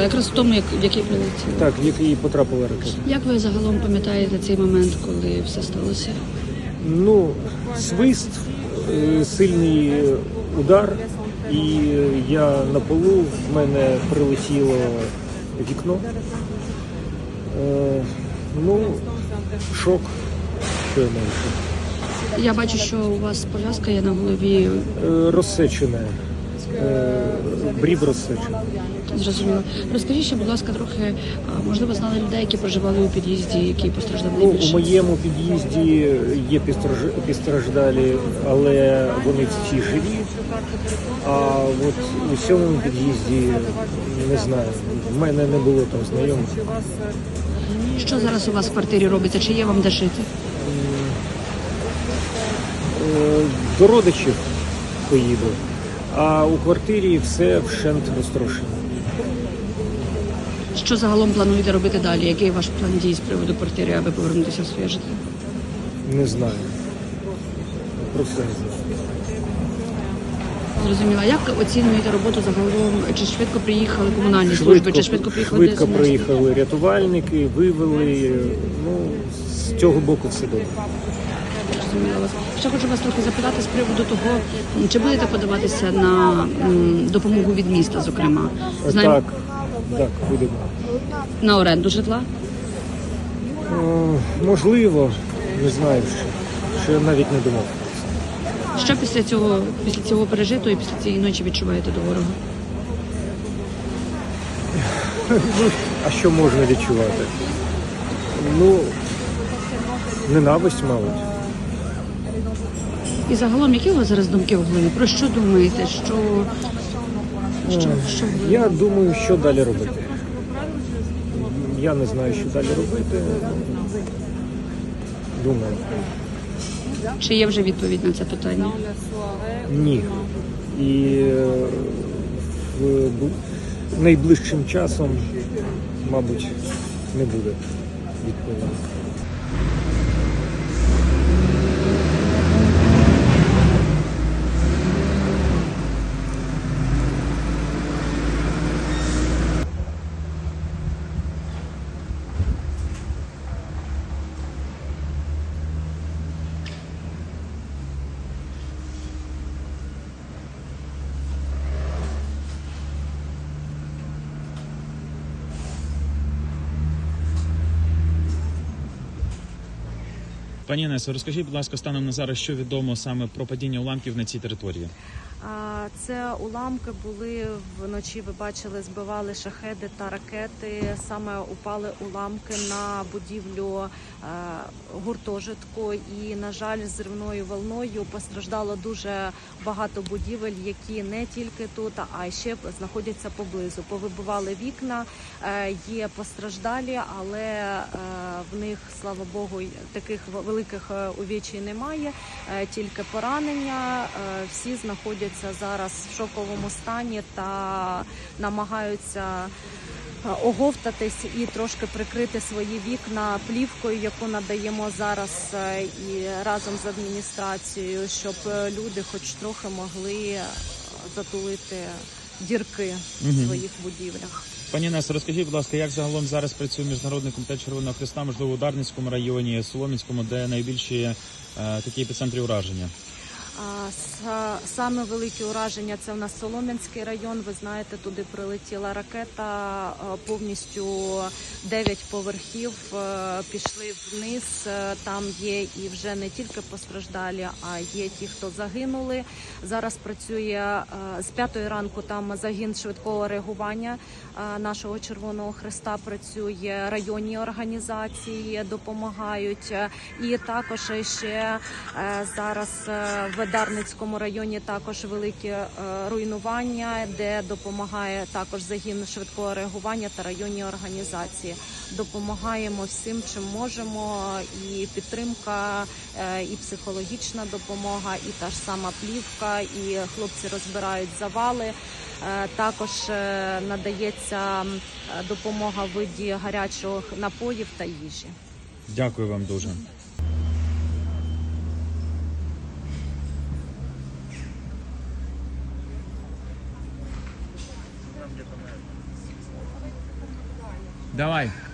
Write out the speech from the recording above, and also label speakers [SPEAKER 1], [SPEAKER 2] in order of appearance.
[SPEAKER 1] якраз в тому, в який прилетіло.
[SPEAKER 2] Так, в який потрапила ракета.
[SPEAKER 1] Як ви загалом пам'ятаєте цей момент, коли все сталося?
[SPEAKER 2] Ну, свист, сильний удар, і я на полу, в мене прилетіло вікно. Ну, шок, що я можу.
[SPEAKER 1] Я бачу, що у вас пов'язка є на голові.
[SPEAKER 2] Розсечене, брів розсечений.
[SPEAKER 1] Зрозуміло. Розкажіть ще, будь ласка, трохи, можливо, знали людей, які проживали у під'їзді, які постраждали
[SPEAKER 2] Ну, у
[SPEAKER 1] найбільше?
[SPEAKER 2] моєму під'їзді є постраждалі, але вони всі живі. А от у сьомому під'їзді не знаю. В мене не було там знайомих.
[SPEAKER 1] Що зараз у вас в квартирі робиться? Чи є вам де жити?
[SPEAKER 2] До родичів поїду, а у квартирі все вщент розтрошено.
[SPEAKER 1] Що загалом плануєте робити далі? Який ваш план дій з приводу квартири, аби повернутися в своє житло?
[SPEAKER 2] Не знаю. Просто не знаю.
[SPEAKER 1] Зрозуміло. Як оцінюєте роботу загалом? Чи швидко приїхали комунальні служби? Чи швидко приїхали
[SPEAKER 2] Швидко
[SPEAKER 1] ДСНС?
[SPEAKER 2] приїхали рятувальники, вивели. Ну, з цього боку все добре.
[SPEAKER 1] Зрозуміло вас. Ще хочу вас трохи запитати з приводу того, чи будете подаватися на допомогу від міста, зокрема?
[SPEAKER 2] Так, будемо.
[SPEAKER 1] На оренду житла?
[SPEAKER 2] Можливо, не знаю, що я навіть не думав.
[SPEAKER 1] Що після цього пережитого і після цієї ночі відчуваєте до ворога?
[SPEAKER 2] А що можна відчувати? Ну, ненависть, мабуть.
[SPEAKER 1] І загалом, які у вас зараз думки в голові? Про що думаєте? Що ви-
[SPEAKER 2] Я думаю, що далі робити. Я не знаю, що далі робити. Думаю.
[SPEAKER 1] Чи є вже відповідь на це питання?
[SPEAKER 2] Ні. І найближчим часом, мабуть, не буде відповіді.
[SPEAKER 3] Пані Інесо, розкажіть, будь ласка, станом на зараз, що відомо саме про падіння уламків на цій території?
[SPEAKER 4] Це уламки були вночі, ви бачили, збивали шахеди та ракети. Саме упали уламки на будівлю гуртожитку. І, на жаль, зривною волною постраждало дуже багато будівель, які не тільки тут, а й ще знаходяться поблизу. Повибивали вікна, є постраждалі, але в них, слава Богу, таких великих увечій немає, тільки поранення. Всі знаходяться зараз в шоковому стані та намагаються оговтатись і трошки прикрити свої вікна плівкою, яку надаємо зараз і разом з адміністрацією, щоб люди хоч трохи могли затулити дірки в своїх будівлях.
[SPEAKER 3] Пані Інесо, розкажіть, будь ласка, як загалом зараз працює Міжнародний комітет Червоного Хреста, можливо, у Дарницькому районі, Солом'янському, де найбільші такі епіцентри ураження?
[SPEAKER 4] Саме великі ураження – це у нас Солом'янський район. Ви знаєте, туди прилетіла ракета, повністю 9 поверхів пішли вниз. Там є і вже не тільки постраждалі, а є ті, хто загинули. Зараз працює з 5 ранку там загін швидкого реагування нашого Червоного Хреста, працює районні організації, допомагають. І також ще зараз в Дарницькому районі також великі руйнування, де допомагає також загін швидкого реагування та районні організації. Допомагаємо всім, чим можемо, і підтримка, і психологічна допомога, і та ж сама плівка, і хлопці розбирають завали. Також надається допомога в виді гарячих напоїв та їжі.
[SPEAKER 3] Дякую вам дуже. Давай.